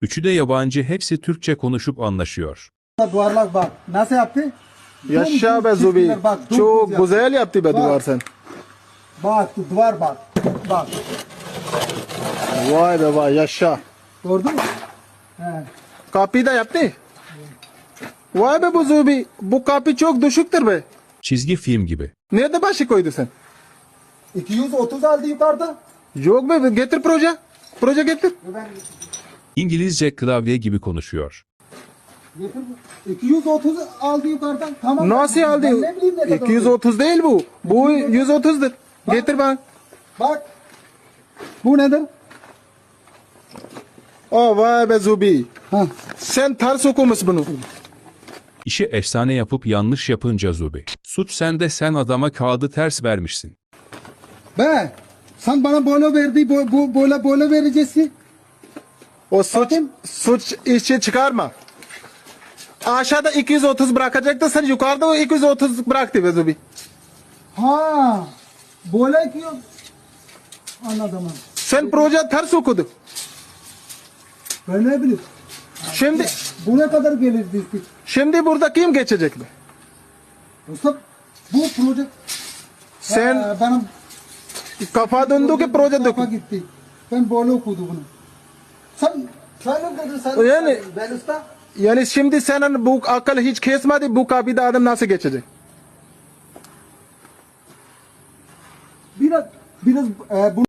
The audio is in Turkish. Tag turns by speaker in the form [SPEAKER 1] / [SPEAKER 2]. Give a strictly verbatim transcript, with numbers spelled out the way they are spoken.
[SPEAKER 1] Üçü de yabancı, hepsi Türkçe konuşup anlaşıyor.
[SPEAKER 2] Duvarlar bak. Nasıl yaptı?
[SPEAKER 3] Yaşa be
[SPEAKER 2] Dümdüz
[SPEAKER 3] Zubi.
[SPEAKER 2] çizgiler, bak, dümdüz
[SPEAKER 3] Çok
[SPEAKER 2] yaptı.
[SPEAKER 3] güzel yaptı be
[SPEAKER 2] Bak.
[SPEAKER 3] duvar sen.
[SPEAKER 2] Bak duvar bak. Bak.
[SPEAKER 3] Vay be vay yaşa.
[SPEAKER 2] Gördün mü? He.
[SPEAKER 3] Kapıyı da yaptı. Vay be bu Zubi. Bu kapı çok düşüktür be.
[SPEAKER 1] Çizgi film gibi.
[SPEAKER 3] Nerede başı koydu sen?
[SPEAKER 2] iki yüz otuz aldı yukarıda.
[SPEAKER 3] Yok be getir proje. Proje getir.
[SPEAKER 2] Ben
[SPEAKER 1] İngilizce klavye gibi konuşuyor.
[SPEAKER 2] getir. iki yüz otuz aldı yukarıdan. Tamam.
[SPEAKER 3] Nasıl aldı?
[SPEAKER 2] Ben ne bileyim ne kadar
[SPEAKER 3] iki yüz otuz değil bu. Bu yüz otuzdur. Getir bak.
[SPEAKER 2] Bak. Bu nedir?
[SPEAKER 3] Oh vay be Zubi.
[SPEAKER 2] Ha.
[SPEAKER 3] Sen ters okumuş bunu.
[SPEAKER 1] İşi efsane yapıp yanlış yapınca Zubi. Suç sende, sen adama kağıdı ters vermişsin.
[SPEAKER 2] Be. Sen bana böyle verdi. Bu, bu böyle böyle vereceksin.
[SPEAKER 3] O suç,
[SPEAKER 2] Bakayım.
[SPEAKER 3] suç işi çıkarma. Aşağıda iki yüz otuz bırakacaktı, sen yukarıda o iki yüz otuz bıraktı be Zubi.
[SPEAKER 2] Ha. Böyle ki anladım.
[SPEAKER 3] Sen proje ters okudu.
[SPEAKER 2] Ben ne bileyim.
[SPEAKER 3] Şimdi
[SPEAKER 2] Bu ne kadar gelir dizdik?
[SPEAKER 3] şimdi burada kim geçecek be?
[SPEAKER 2] Usta bu proje
[SPEAKER 3] Sen
[SPEAKER 2] Ee, benim
[SPEAKER 3] kafa döndü ki proje
[SPEAKER 2] kafa
[SPEAKER 3] dokun.
[SPEAKER 2] gitti. Ben böyle okudum bunu. Sen sen ne dedin sen?
[SPEAKER 3] Yani-
[SPEAKER 2] ben usta.
[SPEAKER 3] Yani şimdi senin bu akıl hiç kesmedi, bu kapıda adam nasıl geçecek?
[SPEAKER 2] Biraz biraz e, bu